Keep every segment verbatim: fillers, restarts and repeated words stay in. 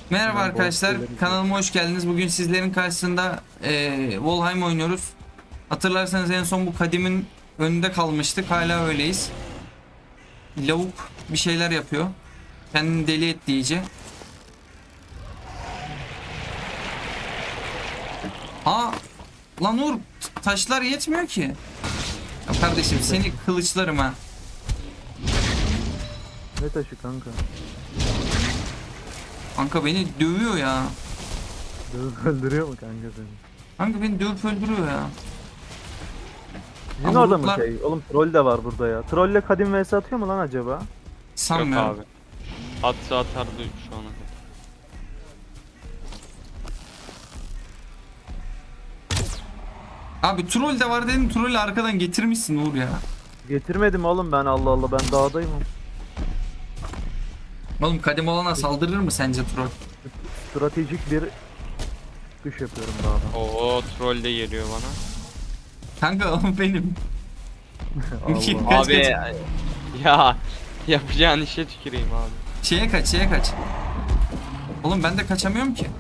Merhaba Hemen boss arkadaşlar, şeyleri kanalıma hoş geldiniz. Bugün sizlerin karşısında eee Valheim oynuyoruz. Hatırlarsanız en son bu kadimin önünde kalmıştık. Hala öyleyiz. Lavuk bir şeyler yapıyor. Kendini deli etti iyice. Aa, lan Uğur, t- taşlar yetmiyor ki. Ya kardeşim seni kılıçlarım ha. Ne taşı kanka? Kanka beni dövüyor ya. Dövüp öldürüyor mu kanka seni? Kanka beni dövüp öldürüyor ya. Sizin Ama orada mı ruhlar şey? Oğlum troll de var burada ya. Trolle kadim vs atıyor mu lan acaba? Yok sanmıyorum. abi. Atsa atardı şu ana kadar. Abi troll de var dedim, trolü arkadan getirmişsin Uğur ya. Getirmedim oğlum ben, Allah Allah, ben dağdayım. Oğlum kadim olana saldırır mı sence troll? Stratejik bir çıkış yapıyorum dağdan. Oo troll de geliyor bana. Kanka o benim. Allah. Kaç, Abi kaç. ya yapacağın işe tüküreyim abi. Şeye kaç, şeye kaç. Oğlum ben de kaçamıyorum ki.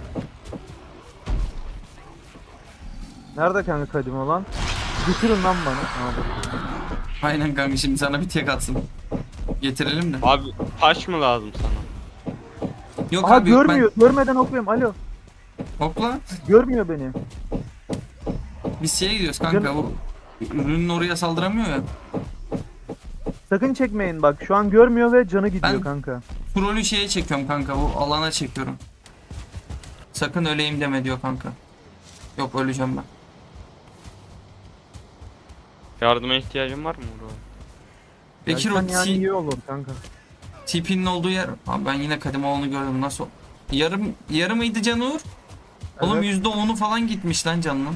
Nerede kanka kadim olan? Getirin lan bana. Ha, bak. Aynen kanka, şimdi sana bir tek atsın. Getirelim de. Abi taş mı lazım sana? Yok Aha abi yok, görmüyor. Görmeden okuyorum. Alo. ben. Hopla. Görmüyor beni. Biz şeye gidiyoruz kanka, Canım. bu ürünün oraya saldıramıyor ya. Sakın çekmeyin bak. Şu an görmüyor ve canı gidiyor Ben- kanka. Trollü şeye çekiyorum kanka, bu alana çekiyorum. Sakın öleyim deme diyor kanka. Yok, öleceğim ben. Yardıma ihtiyacın var mı bro? Bekir o Gelsen yani T- iyi olur kanka. T P'nin olduğu yer. Abi ben yine Kadimoğlu'nu gördüm, nasıl? Yarım yarı mıydı canı Uğur? Oğlum Evet. yüzde onu falan gitmiş lan canının.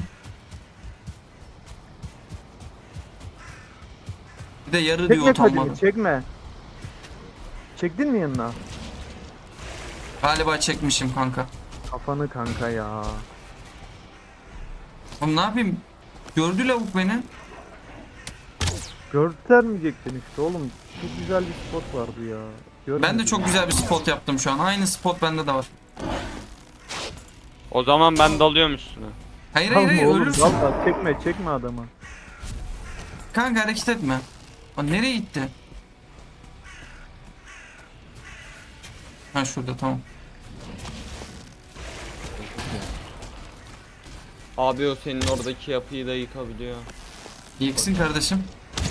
Bir de yarı diyor Çekme utanmadı. kadimi, çekme. Çektin mi yanına? Galiba çekmişim kanka. Kafanı kanka ya. Oğlum ne yapayım? Gördü lavuk beni. Göstermeyecektin işte oğlum. Çok güzel bir spot vardı ya. Görmedim. Ben de çok güzel bir spot yaptım şu an. Aynı spot bende de var. O zaman ben dalıyorum üstüne. Hayır hayır hayır, oğlum, ölürsün. valla çekme çekme adamı. Kanka hareket etme. O nereye gitti? Ha şurada, tamam. Abi o senin oradaki yapıyı da yıkabiliyor. Yıksın kardeşim.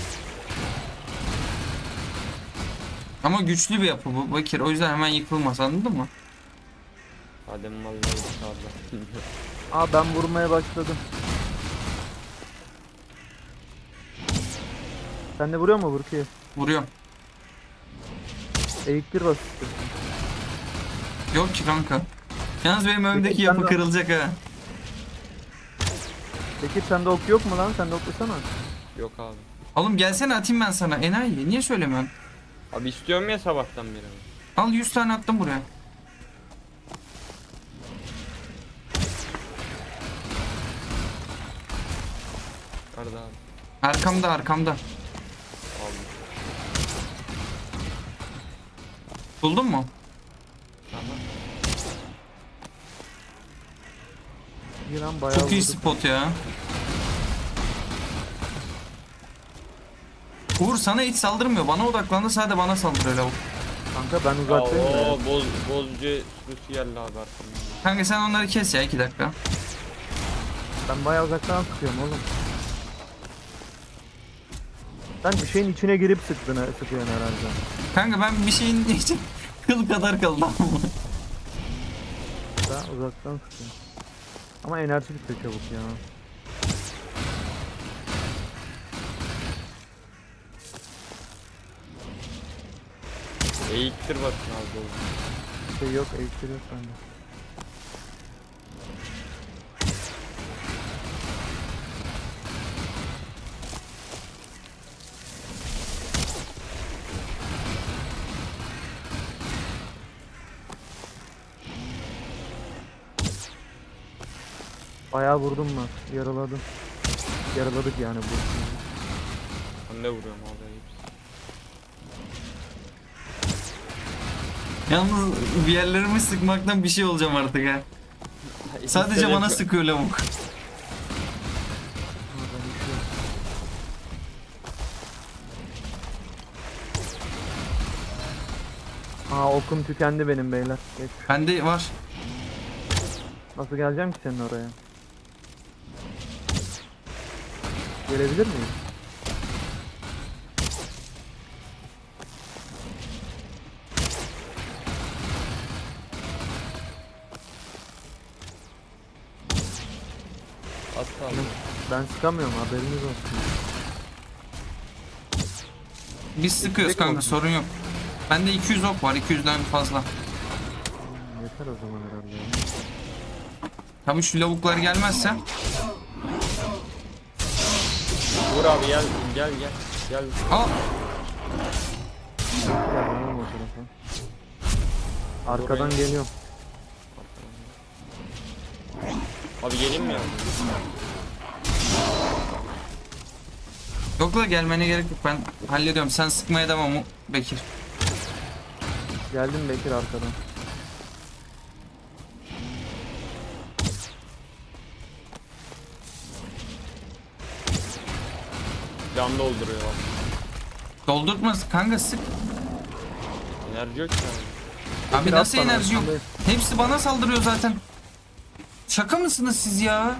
Ama güçlü bir yapı bu Bakir. O yüzden hemen yıkılmaz, anladın mı? Adem vallahi yıkardı. Aa ben vurmaya başladım. Sen de vuruyor mu Burki? Vuruyorum. Eğik bir bas istiyorsun. Yok ki kanka. Yalnız benim önümdeki Peki, yapı sen de- kırılacak ha. Peki sende ok yok mu lan? Sen de oklasana. Yok abi. Oğlum gelsene atayım ben sana enayi. Niye söylemiyorsun? Abi istiyorum ya sabahtan beri. Al yüz tane attım buraya. Nerede abi? Arkamda arkamda. Aldım. Buldun mu? Tamam. İyi lan bayağı Çok iyi vurdum. spot ya. Uğur sana hiç saldırmıyor. Bana odaklandı, sadece bana saldırıyor lavuk. Kanka ben Ya uzaktayım ya. o boz, bozcu sürüsü geldi abi arkamdan. Kanka sen onları kes ya, iki dakika. Ben bayağı uzaktan sıkıyorum oğlum. Sen bir şeyin içine girip sıktın, sıkıyorsun herhalde. Kanka ben bir şeyin için kıl kadar kaldım. Ben uzaktan sıkıyorum. Ama enerji bitiyor çabuk ya. Eğiktir bakın abi oğlum. Bir şey yok, eğitim yok bende. Bayağı vurdum ben, yaraladım. Yaraladık yani bu. Ben de vuruyorum abi hepsi. Yalnız bir yerlerimi sıkmaktan bir şey olacağım artık ha. Sadece bana sıkıyor lavuk. Aa okum tükendi benim beyler. Geç. Bende var. Nasıl geleceğim ki senin oraya? Gelebilir miyim? Az kaldı. Ben sıkamıyorum, haberiniz olsun. Biz sıkıyoruz Tek kanka, oldu. sorun yok. Bende iki yüz ok var, iki yüzden fazla. Hmm, Yeter o zaman herhalde. ya. Tabii şu lavuklar gelmezse. Vur abi gel gel gel. Gel. Aa, Gel ben o tarafa. Arkadan Oraya- geliyorum. Abi geleyim mi ya? yok la, gelmene gerek yok, ben hallediyorum. Sen sıkmaya devam mı Bekir? Geldim Bekir arkadan. Can dolduruyor bak. Doldurtma kanka, sık. Enerji yok ki abi. Abi Bekir, nasıl at bana, enerji yok? arkandayım. Hepsi bana saldırıyor zaten. Şaka mısınız siz ya?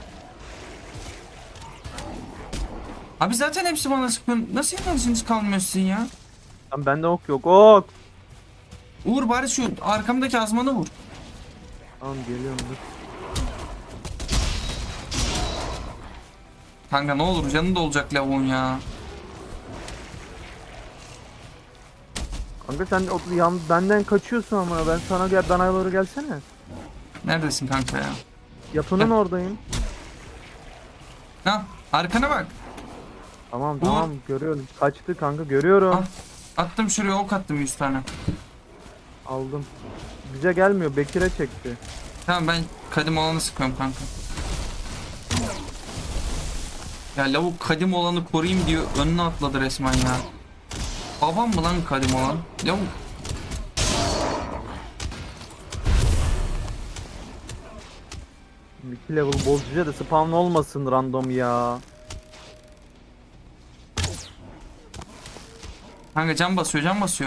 Abi zaten hepsi bana sıkıyor. Nasıl enerjiniz kalmıyor sizin ya? Lan bende ok yok, ok! Uğur bari şu arkamdaki azmanı vur. Tamam geliyorum dur. Kanka ne olur, canı da olacak lavuğun ya. Kanka sen o, yan, benden kaçıyorsun ama ben sana gel, bana doğru gelsene. Neredesin kanka ya? Yapının Heh. oradayım. Ha, arkana bak. Tamam Uğur. tamam görüyorum. Kaçtı kanka, görüyorum. Al. Attım şuraya, ok attım yüz tane. Aldım. Bize gelmiyor, Bekir'e çekti. Tamam, ben kadim olanı sıkıyorum kanka. Ya lavuk kadim olanı koruyayım diyor, önüne atladı resmen ya. Babam mı lan kadim olan? Lavuk. iki level bozucuya da spawn olmasın random ya. Kanka can basıyor, can basıyor.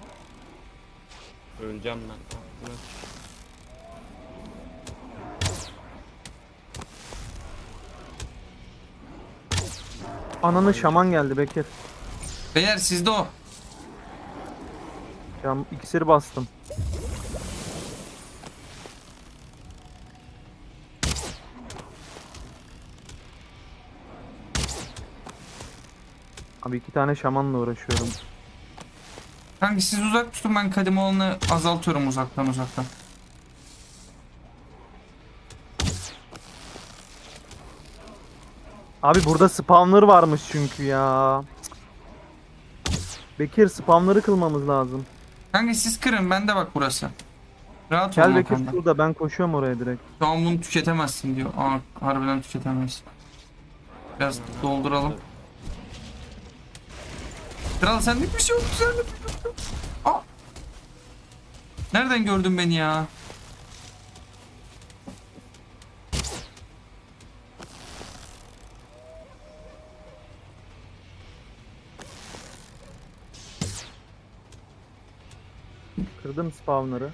Öleceğim ben. Bırak. Ananı şaman geldi Bekir. Beyler sizde o. Şam iksiri bastım. Abi iki tane şamanla uğraşıyorum. Kanka siz uzak tutun, ben kadim olanı azaltıyorum uzaktan uzaktan. Abi burada spawner varmış çünkü ya. Bekir spawner'ı kılmamız lazım. Kanka siz kırın, bende bak burası. Rahat Gel olun o Bekir konuda. şurada, ben koşuyorum oraya direkt. Şu an bunu tüketemezsin diyor. Aa, harbiden tüketemeyiz. Biraz dolduralım. Kral senlik bir şey yok. Senlik bir şey yok. Aa! Nereden gördün beni ya? Kırdım spawner'ı.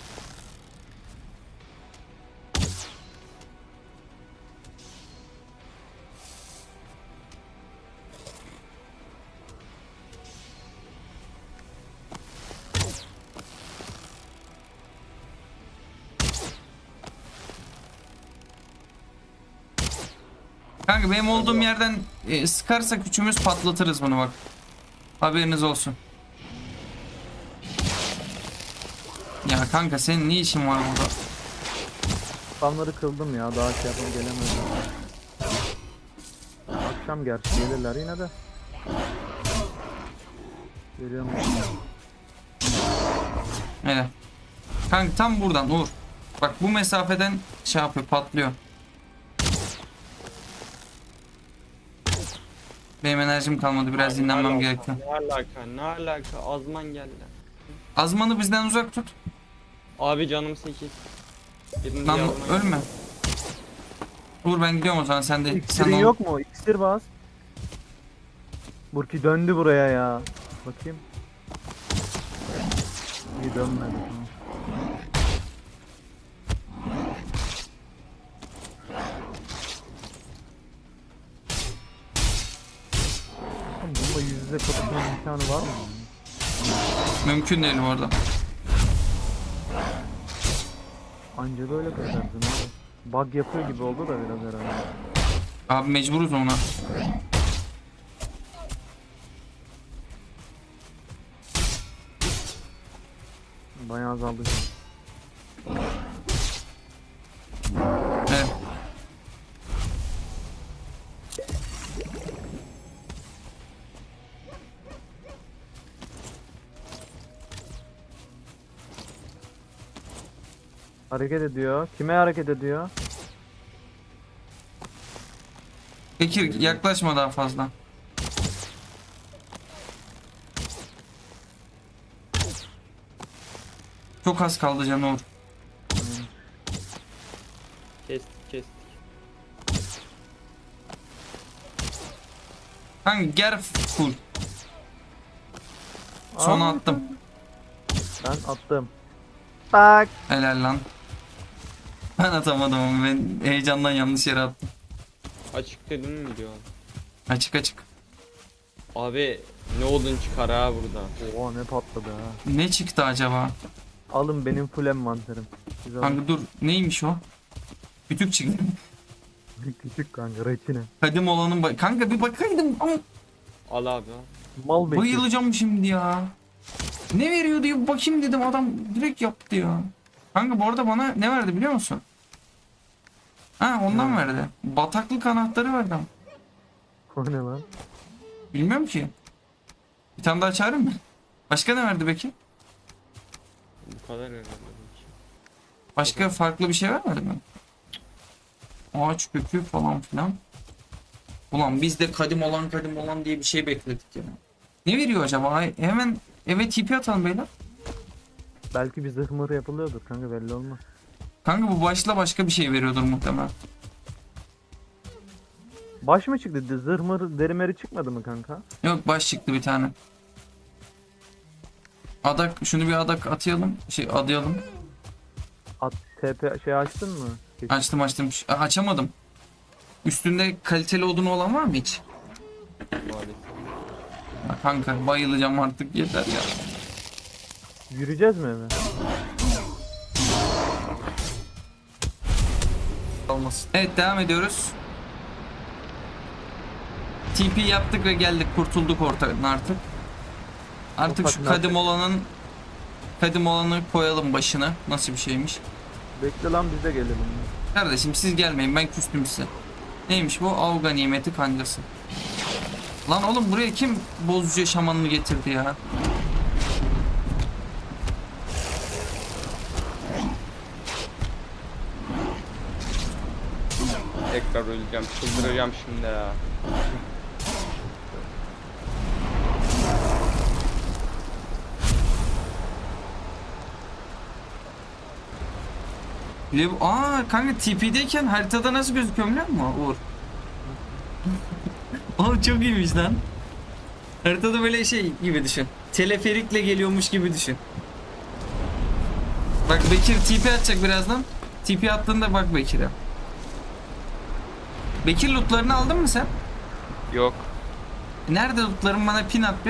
Kanka benim olduğum yerden e, sıkarsak üçümüz patlatırız bunu bak. Haberiniz olsun. Ya kanka senin ne işin var burada? Spawner'ı kıldım ya, daha şey yapmam gelemedim. Akşam gerçi gelirler yine de. Geliyorum. Hele. Kanka tam buradan Uğur. Bak bu mesafeden şey yapıyor, patlıyor. Benim enerjim kalmadı, biraz Abi, ne dinlenmem alaka, gerekiyor. Ne alaka ne alaka azman geldi. Azman'ı bizden uzak tut. Abi canım sekiz. Birini Lan yardıma gel. ölme. Uğur ben gidiyorum o zaman sen de. Sen İksirin ol. yok mu? İksir bas. Burki döndü buraya ya. Bakayım. İyi dönmedi. Tamam. Oğlum bununla yüz yüze kapışma imkanı var mı? Mümkün değil bu arada. Anca böyle kaçarsın abi. Bug yapıyor gibi oldu da biraz herhalde. Abi mecburuz ona. Bayağı azaldı. Evet. Hareket ediyor. Kime hareket ediyor? Bekir yaklaşma daha fazla. Çok az kaldı canı Uğur. Kestik kestik. Kanka ger full. Sona Aa, attım. Ben attım. Tak. Helal lan. Ben atamadım ama ben heyecandan yanlış yere attım. Açık dedin mi diyor. Açık açık. Abi ne odun çıkar ha burada. Oha ne patladı ha. Ne çıktı acaba? Alın benim full envanterim. Siz alın. Kanka dur neymiş o? Kütük çıktı. Küçük kanka reçine. Kadim olanın ba- kanka bir bakaydım ama Al abi al. Mal bekliyor. bayılacağım şimdi ya. Ne veriyor diye bir bakayım dedim adam direkt yaptı ya. Kanka bu arada bana ne verdi biliyor musun? Ha ondan Ne? verdi. Bataklık anahtarı verdi ama. O ne lan? Bilmiyorum ki. Bir tane daha çağırayım mı? Başka ne verdi peki? Bu kadar herhalde. Başka farklı bir şey vermedi mi? Ağaç kökü falan filan. Ulan biz de kadim olan kadim olan diye bir şey bekledik ya. Ne veriyor acaba? Ay, hemen eve T P atalım beyler. Belki bir zırh mırı yapılıyordur kanka belli olmaz. Kanka bu başla başka bir şey veriyordur muhtemelen. Baş mı çıktı? Zırh mırı deri meri çıkmadı mı kanka? Yok baş çıktı bir tane. Adak şunu bir adak atayalım. Şey adayalım. At T P şey açtın mı? Geç- Açtım açtım. Ş- Açamadım. Üstünde kaliteli odunu olan var mı hiç? Maalesef. Ya kanka bayılacağım artık yeter ya. Yürüyeceğiz mi eve? Olmasın. Evet devam ediyoruz. T P yaptık ve geldik kurtulduk ortadan artık. Artık Ufak şu nakit. kadim olanın kadim olanı koyalım başına. Nasıl bir şeymiş? Bekle lan biz de gelelim. Kardeşim siz gelmeyin ben küstüm size. Neymiş bu? Av ganimeti kancası. Lan oğlum buraya kim bozucu şamanını getirdi ya? Tekrar öleceğim. Çıldıracağım şimdi ya. Lev Aa kanka T P'deyken haritada nasıl gözüküyor biliyor musun Uğur? Oğlum çok iyiymiş lan. Haritada böyle şey gibi düşün. Teleferikle geliyormuş gibi düşün. Bak Bekir T P atacak birazdan. T P attığında bak Bekir'e. Bekir lootlarını aldın mı sen? Yok. Nerede lootların bana pin at bir.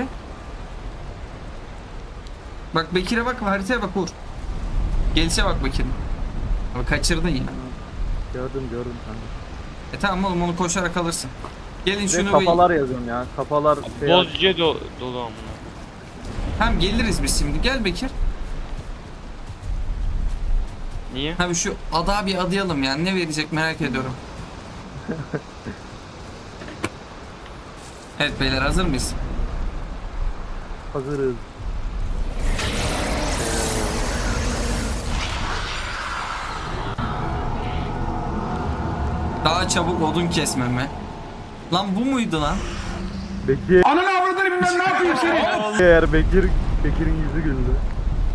Bak Bekir'e bak haritaya bak Uğur. Gelişe bak Bekir'in. Abi kaçırdın ya. Gördüm gördüm kanka. E tamam oğlum onu koşarak alırsın. Gelin Ve şunu bir... kafalar yazıyorum ya. Kafalar şey Bozca do dolu amına. Tamam geliriz biz şimdi. Gel Bekir. Niye? Abi şu ada bir adayalım yani. Ne verecek merak ediyorum. Evet beyler hazır mıyız? hazırız. Daha çabuk odun kesmeme. Lan bu muydu lan? Bekir. Ananı avradını bilmem ne yapayım seni. Eğer Bekir, Bekir'in yüzü güldü.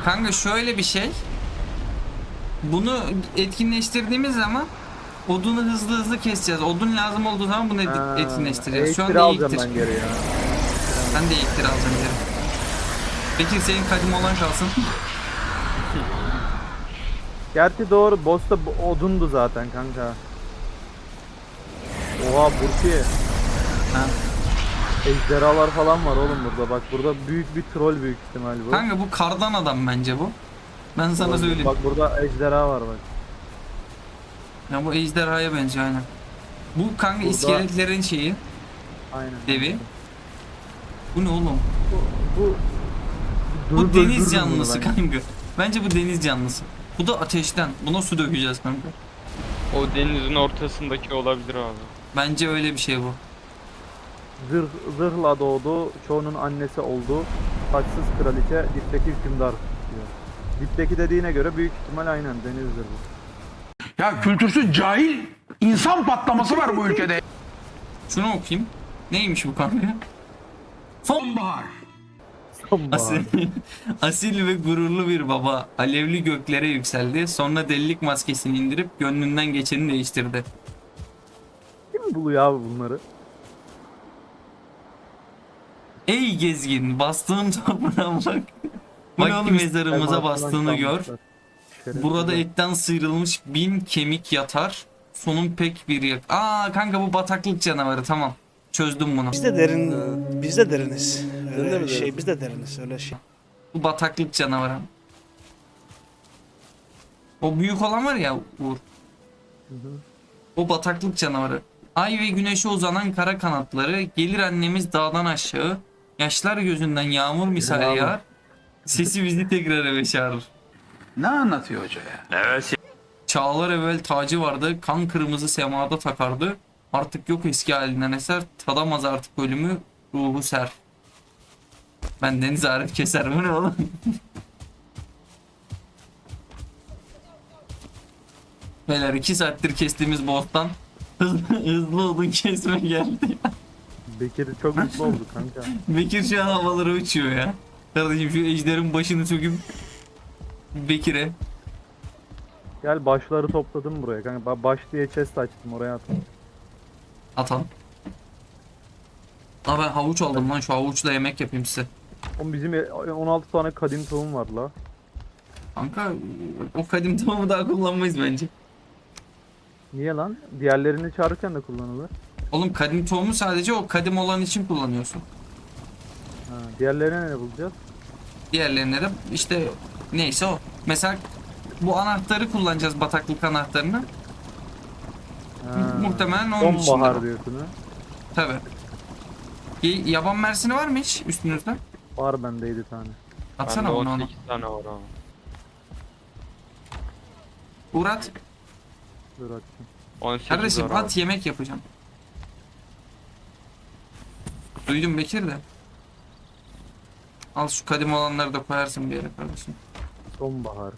Kanka şöyle bir şey. Bunu etkinleştirdiğimiz zaman odunu hızlı hızlı keseceğiz. Odun lazım olduğu zaman bunu et- Ha, etkinleştireceğiz. Şu elektri anda alacağım eğiktir. ben geri ya. Ben de eğiktir alacağım geri. Bekir senin kadim olan kalsın. Gerçi doğru, boss'ta bu- odundu zaten kanka. Oha Burki. Ha. Ejderhalar falan var oğlum burada. Bak burada büyük bir troll büyük ihtimal bu. Kanka bu kardan adam bence bu. Ben sana Bak- söyleyeyim. Bak burada ejderha var bak. Ya bu ejderhaya benziyor aynen. Bu kanka Burada- iskeletlerin şeyi. Aynen. Devi. Bu ne oğlum? Bu, bu, Bu Durup deniz öldürürüm bunu canlısı ben. kanka. Bence bu deniz canlısı. Bu da ateşten. Buna su dökeceğiz kanka. O denizin ortasındaki olabilir abi. Bence öyle bir şey bu. Zırh, zırhla doğdu, çoğunun annesi oldu. Taçsız kraliçe, dipteki hükümdar diyor. Dipteki dediğine göre büyük ihtimal aynen denizdir bu. Ya kültürsüz cahil insan patlaması var bu ülkede. Şunu okuyayım. Neymiş bu kanka? Sonbahar. Sonbahar. Asil, asil ve gururlu bir baba alevli göklere yükseldi. Sonra delilik maskesini indirip gönlünden geçeni değiştirdi. Kim buluyor abi bunları? Ey gezgin, bastığın toprağa bak. Bu ne Bak oğlum, kim- mezarımıza Elmasından bastığını gör. çalmışlar. Şerefsizler. Burada etten sıyrılmış bin kemik yatar. Sonun pek bir yak. Aa kanka bu bataklık canavarı, tamam. Çözdüm bunu. Biz de derin, biz de deriniz. Öyle şey, biz de deriniz öyle şey. Bu bataklık canavarı. O büyük olan var ya Uğur. O bataklık canavarı. Ay ve güneşe uzanan kara kanatları, gelir annemiz dağdan aşağı. Yaşlar gözünden yağmur misali Bravo. yağar. Sesi bizi tekrar eve çağırır. Ne anlatıyor hoca ya? Çağlar evvel tacı vardı, kan kırmızı semada takardı. Artık yok eski halinden eser, tadamaz artık ölümü, ruhu ser. Ben Deniz Arif Keser, bu ne oğlum? Beyler iki saattir kestiğimiz boss'tan hızlı, hızlı odun kesme geldi. Bekir çok mutlu oldu kanka. Bekir şu an havalara uçuyor ya. Kardeşim şu ejderin başını söküp Bekir'e. Gel başları topladım buraya kanka. Ba- Baş diye chest açtım oraya attım. Atalım. Aa ben havuç aldım lan, şu havuçla yemek yapayım size. Oğlum bizim e- on altı tane kadim tohum var la. Kanka o kadim tohumu daha kullanmayız bence. Niye lan? Diğerlerini çağırırken de kullanılır. Oğlum kadim tohumu sadece o kadim olan için kullanıyorsun. Ha, diğerlerine ne bulacağız? Diğerlerine de işte neyse o. Mesela bu anahtarı kullanacağız, bataklık anahtarını. Ha, Muhtemelen onun için. sonbahar diyorsun ha. Tabi. Yaban mersini var mı hiç üstünüzde? Var bende yedi tane. Atsana Bende onu on ona. sekiz tane var abi. Uğrat. Dur atayım. on sekiz Kardeşim var abi. at, yemek yapacağım. Duydum Bekir de. Al şu kadim olanları da koyarsın bir yere kardeşim. Sonbahar.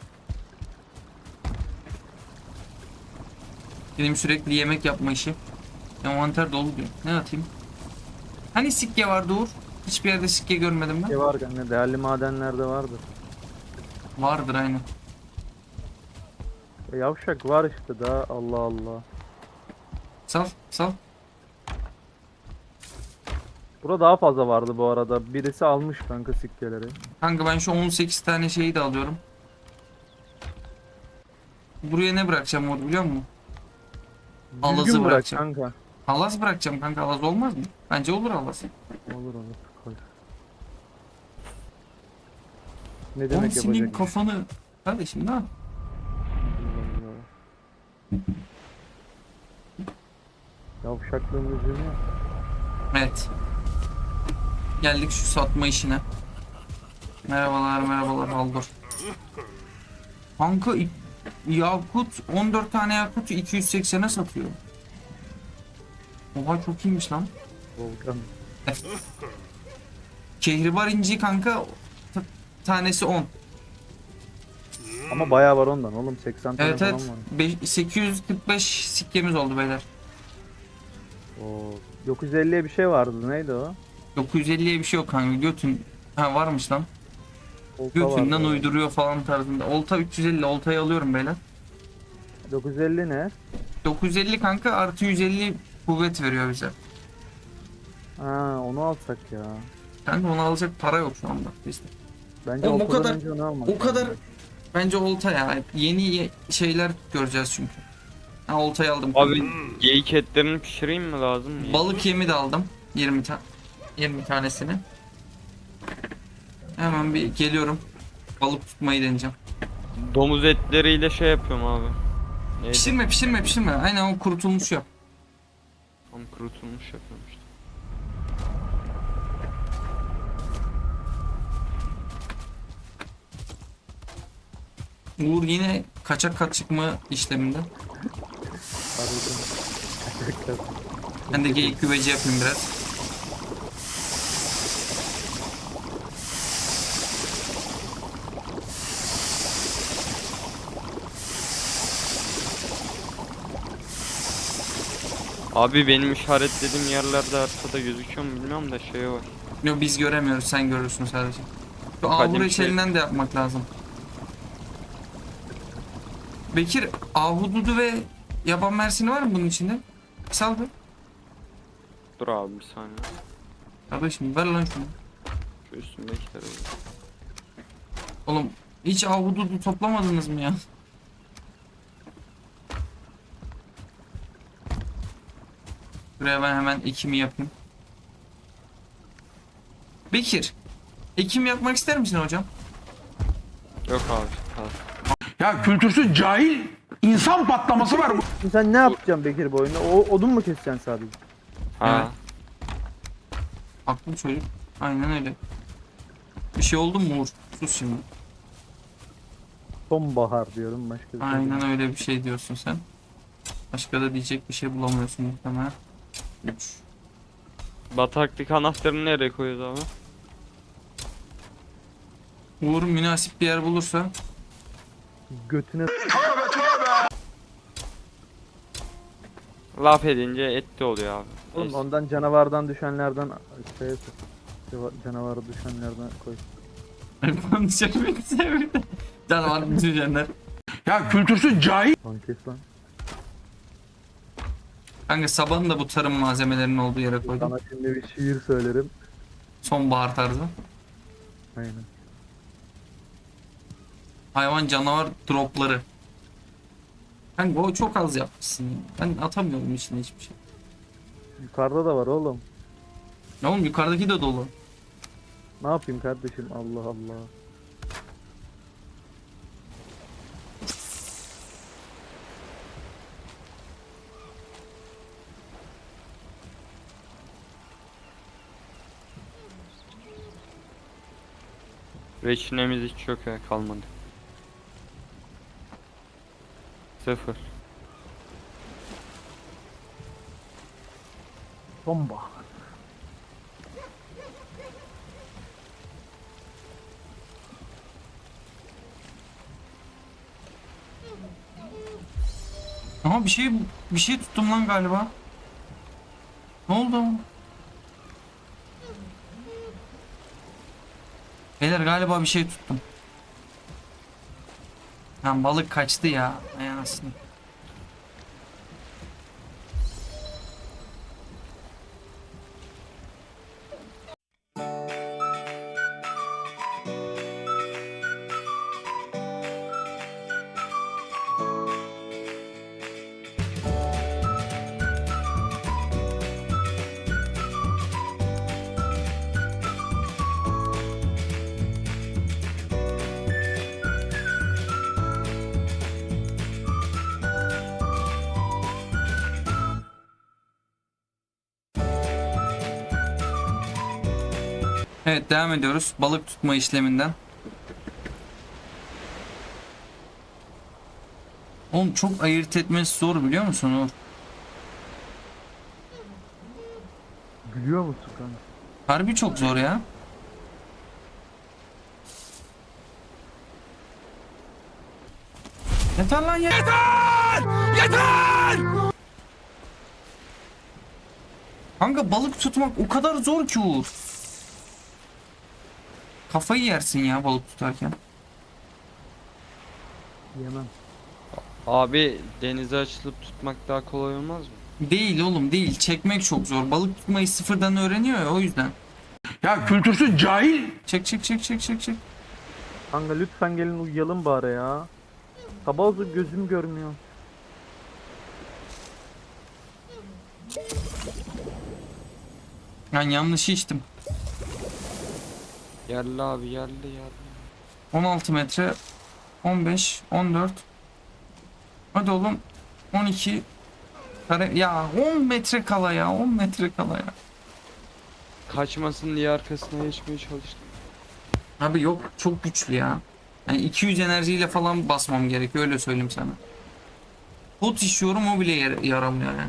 Benim sürekli yemek yapma işi. Envanter dolu diyor. Ne atayım? Hani sikke vardı Uğur? Hiçbir yerde sikke görmedim ben. Ne var kanka? Değerli madenlerde vardır. Vardır aynen. E, yavşak var işte daha Allah Allah. Sal sal. Burada daha fazla vardı bu arada. Birisi almış kanka sikkeleri. Kanka ben şu on sekiz tane şeyi de alıyorum. Buraya ne bırakacağım Uğur biliyor musun? Alazı Düzgün bırak bırakacağım. kanka. Halaz bırakacağım kanka, halaz olmaz mı? Bence olur halaz. Olur olur. Koy. Ne Oğlum demek senin yapacak? kafanı... Kardeşim ne yap? Yavşaklığın yüzünü. Evet. Geldik şu satma işine. Merhabalar merhabalar Haldur. Kanka i- yakut on dört tane yakut iki yüz seksene satıyor. Oha çok iyiymiş lan. Volkan. Kehribar inci kanka t- tanesi on. Ama bayağı var ondan oğlum. seksen tane Evet falan evet. var. Be- sekiz yüz kırk beş sikkemiz oldu beyler. Oo. dokuz yüz elliye bir şey vardı. Neydi o? dokuz yüz elliye bir şey yok kanka, götün. Ha varmış lan. Olta götünden vardı. uyduruyor falan tarzında. Olta üç yüz elli, oltayı alıyorum beyler. dokuz yüz elli ne? dokuz yüz elli kanka artı yüz elli kuvvet veriyor bize. Ha onu alsak ya. Kanka onu alacak para yok şu anda bizde. Bence Oğlum o okuldan kadar- önce onu almak O kadar lazım. bence olta ya. Yeni ye- şeyler göreceğiz çünkü. Ha oltayı aldım. Abi geyik etlerini pişireyim mi lazım mı? Balık yemi de aldım. yirmi ta yirmi tanesini. Hemen bir geliyorum. Balık tutmayı deneyeceğim. Domuz etleriyle şey yapıyorum abi. Neydi? Pişirme pişirme pişirme. Aynen o kurutulmuş yap. Tam kurutulmuş yapıyorum işte. Uğur yine kaçak kat çıkma işleminde. Harbiden. Ben de geyik güveci yapayım biraz. Abi benim işaretlediğim yerlerde haritada gözüküyor mu bilmiyorum da şey var. Yok biz göremiyoruz, sen görürsün sadece. Şu Kadim ahuru şey- içerinden de yapmak lazım. Bekir, ahududu ve yaban mersini var mı bunun içinde? Sal bir. Dur abi bir saniye. Kardeşim ver lan şunu. Şu üstündekileri. Oğlum hiç ahududu toplamadınız mı ya? Buraya ben hemen ekimi yapayım. Bekir, ekim yapmak ister misin hocam? Yok abi. Kalk. Ya kültürsüz cahil insan patlaması var bu. Şimdi sen ne yapacaksın Bekir bu oyunda? O, odun mu keseceksin sadece? Ha. Haklı çocuk. Aynen öyle. Bir şey oldu mu Uğur? Sus şimdi. Sonbahar diyorum başka bir şey. Aynen öyle bir şey diyorsun sen. Başka da diyecek bir şey bulamıyorsun muhtemelen. üç. Bataklık anahtarını nereye koyuyoruz abi? Uğur münasip bir yer bulursa Götüne Laf edince etli oluyor abi. oğlum Neyse. ondan canavardan düşenlerden şeye sok. Ceva- Canavarı düşenlerden koy. konuşabilmek sevdi. Canavar düşünenler. Ya kültürsüz cahil Lan kes lan. Kanka sabahın da bu tarım malzemelerinin olduğu yere koydum. Sana şimdi bir şiir söylerim. Sonbahar tarzı. Aynen. Hayvan canavar dropları. Kanka o çok az yapmışsın ya. Ben atamıyorum içine hiçbir şey. Yukarıda da var oğlum. Ya oğlum yukarıdaki de dolu. Ne yapayım kardeşim Allah Allah. Reçinemiz hiç yok ya kalmadı. Sıfır. Sonbahar. Ama bir şey bir şey tuttum lan galiba. Ne oldu? Beyler galiba bir şey tuttum. Lan balık kaçtı ya. Ay anasını. Evet devam ediyoruz balık tutma işleminden. Oğlum çok ayırt etmesi zor biliyor musun Uğur? Gülüyor musun kanka? Harbi çok zor ya. Yeter lan yeter! Yeter! Kanka balık tutmak o kadar zor ki Uğur. Kafayı yersin ya balık tutarken. Yemem. Abi denize açılıp tutmak daha kolay olmaz mı? Değil oğlum değil. Çekmek çok zor. Balık tutmayı sıfırdan öğreniyor ya o yüzden. Ya kültürsüz cahil Çek çek çek çek çek çek. Kanka lütfen gelin uyuyalım bari ya. Sabah oldu gözüm görmüyor. Ben yanlış içtim. Yerli abi yerli yerli. on altı metre. on beş. on dört. Hadi oğlum. on iki. Kare. Ya on metre kala ya. on metre kala ya. Kaçmasın diye arkasına geçmeye çalıştım. Abi yok çok güçlü ya. Yani iki yüz enerjiyle falan basmam gerekiyor öyle söyleyeyim sana. Pot işiyorum o bile yar- yaramıyor yani.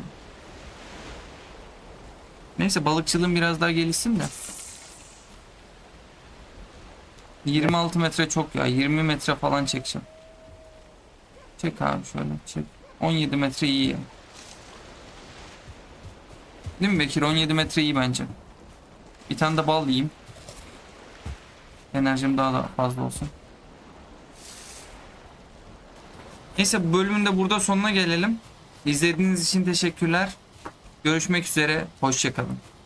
Neyse balıkçılığım biraz daha gelişsin de. yirmi altı metre çok ya. yirmi metre falan çekeceğim. Çek abi şöyle çek. on yedi metre iyi ya. Değil mi Bekir? on yedi metre iyi bence. Bir tane de bal yiyeyim. Enerjim daha da fazla olsun. Neyse bu bölümün de burada sonuna gelelim. İzlediğiniz için teşekkürler. Görüşmek üzere. Hoşça kalın.